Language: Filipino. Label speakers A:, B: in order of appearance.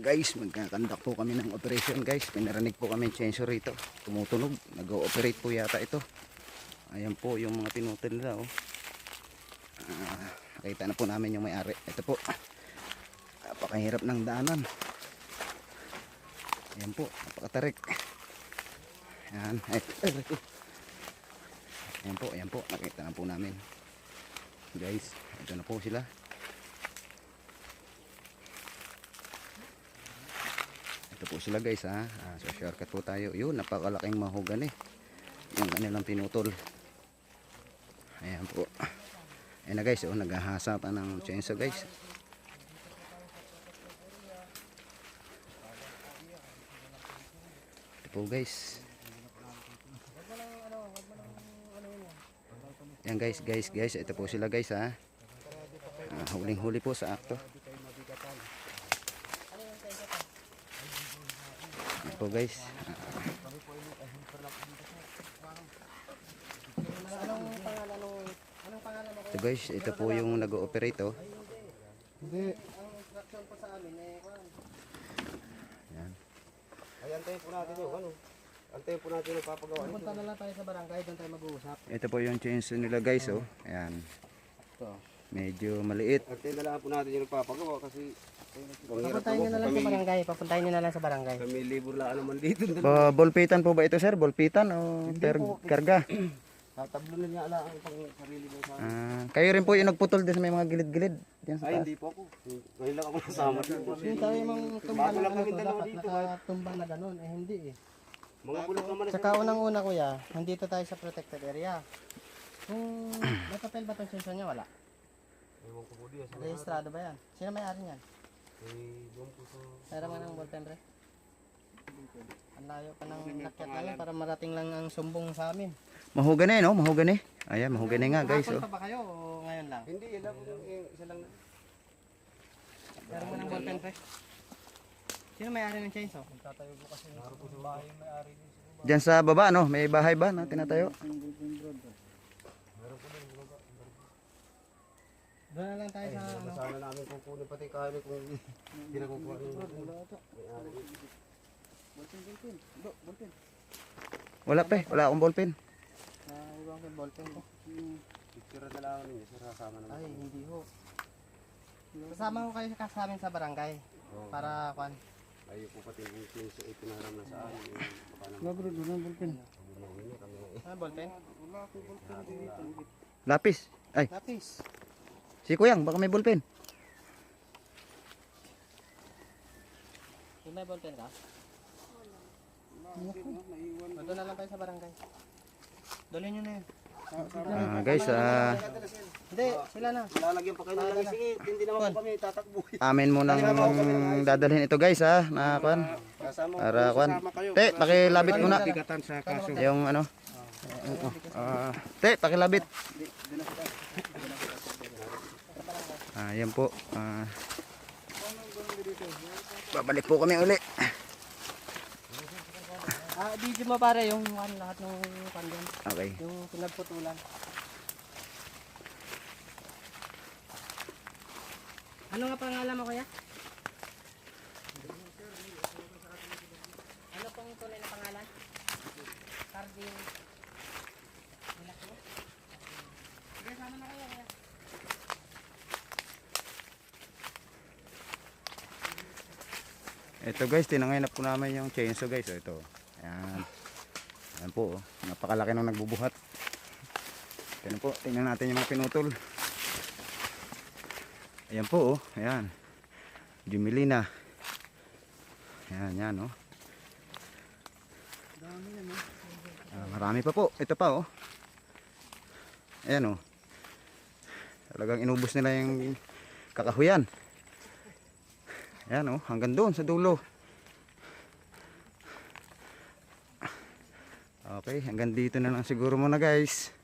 A: guys, magkakandak po kami ng operation guys. Pinarinig po kami chainsaw rito. Tumutunog, nag-ooperate po yata ito. Ayan po yung mga pinutol nila oh. Nakita na po namin yung may-ari. Ito po. Napakahirap ng daanan. Ayan po, napakatarik. Ayan, ayan po, nakita na po namin. Guys, ito na po sila. Ito po sila guys ha. So shortcut po tayo. Yun, napakalaking mahogany yung kanilang pinutol. Ayan po. Ayan na guys, oh, naghahasa pa ng chainsaw guys. Ito po guys. Ayan guys, ito po sila guys ha. Huling-huli po sa akto. Po guys. Ito guys, ito po yung nag-ooperate oh.
B: Hindi. Ang instruction po sa amin eh,
A: Yan.
B: ay antayin po natin yung ano. Antayin po natin yung papagawa. Punta na lang tayo sa barangay, doon tayo mag-uusap.
A: Ito po yung chainsaw nila guys oh. Ayan.
B: Ito.
A: Medyo maliit.
B: Antayin na lang po natin yung papagawa kasi
C: Papuntahin nyo na lang sa barangay. Papuntahin nyo na lang sa barangay.
B: kami libur lang naman dito.
A: Bolpitan po ba ito sir? Bolpitan o per karga?
B: Tatablo na niya ala ang pang sarili mo sa akin.
A: Kayo rin po yung nagputol din sa may mga gilid-gilid. Diyan sa
B: Ay
A: taas.
B: hindi po ako. Ngayon lang ako nasama dito.
C: Yung tayo mong tumbang
B: Bago
C: na
B: lang
C: ano
B: kami
C: to,
B: dalawa
C: dapat
B: dito.
C: nakatumbang na ganun. Eh hindi eh.
B: Mga bulok naman na
C: Saka unang-una kuya, nandito tayo sa protected area. Kung may papel ba itong sensor niya? Wala.
B: Ewan ko po diya.
C: Rehistrado ba yan? Sino may-ari niyan?
B: Ewan ko sa...
C: Meron mo ng ballpen pre? Ang layo pa ng nakyat namin para marating lang ang sumbong sa amin.
A: Mahogany no? Mahogany. Ayan, mahogany nga guys
C: Hapon
A: oh.
C: pa ba kayo o ngayon lang?
B: Hindi, yun lang po yung isa lang na.
C: Meron mo ng ballpen pre? Sino may-ari ng chainsaw?
B: Tatayo po kasi naroon po sa bahay yung may-ari niya.
A: Diyan sa baba no? May bahay ba na tinatayo?
B: Meron po din baba.
C: Doon na lang tayo sa ano.
B: Sana namin kukunin pati kahit kung hindi na kukuha ng may-ari.
A: Wala pa wala akong ballpen.
C: Iwan ko yung ballpen ko.
B: Picture na lang ninyo, sir, kasama naman.
C: Ay, hindi ho. Kasama ko kayo sa amin sa barangay.
B: Oo.
C: Para kwan.
B: Ayaw po pati yung pinso ay pinaram na sa amin. Baka naman.
C: Bro, doon ang ballpen.
B: Bumawin niya kami.
C: Ano ballpen?
B: Wala po ballpen dito.
A: Lapis. Ay,
C: Lapis.
A: si Kuyang baka may ballpen.
C: May ballpen ka? Doon na lang tayo sa barangay. Dali nyo na yun.
A: Guys,
C: Hindi, sila na.
B: Lalagyan pa kayo ng langis. Sige, hindi naman po kami tatakbo.
A: amin mo nang dadalhin ito guys ha. Na kwan.
B: Kasama ko.
A: Para kwan. Te, pakilabit muna.
B: Bigatan sa kaso.
A: Yung ano. Te, pakilabit. Ayan po. Babalik po kami uli.
C: Video mo pare yung lahat ng kandyan.
A: Okay.
C: Yung pinagputulan. Ano nga pangalan mo kuya? Ano pong tunay na pangalan? Carding. Sige, sama na kayo kuya.
A: Ito guys, tinanginap po namin yung chainsaw guys. Ito. Ayan. Ayan po. Oh. Napakalaki nung nagbubuhat. Ayan po. Tingnan natin yung mga pinutol. Ayan po. Oh. Ayan. Jumilina. Ayan. Yan. Oh. Marami pa po. Ito pa. Oh. Ayan. Oh. Talagang inubos nila yung kakahuyan. Ayan oh, hanggang doon sa dulo. Okay, hanggang dito na lang siguro muna guys.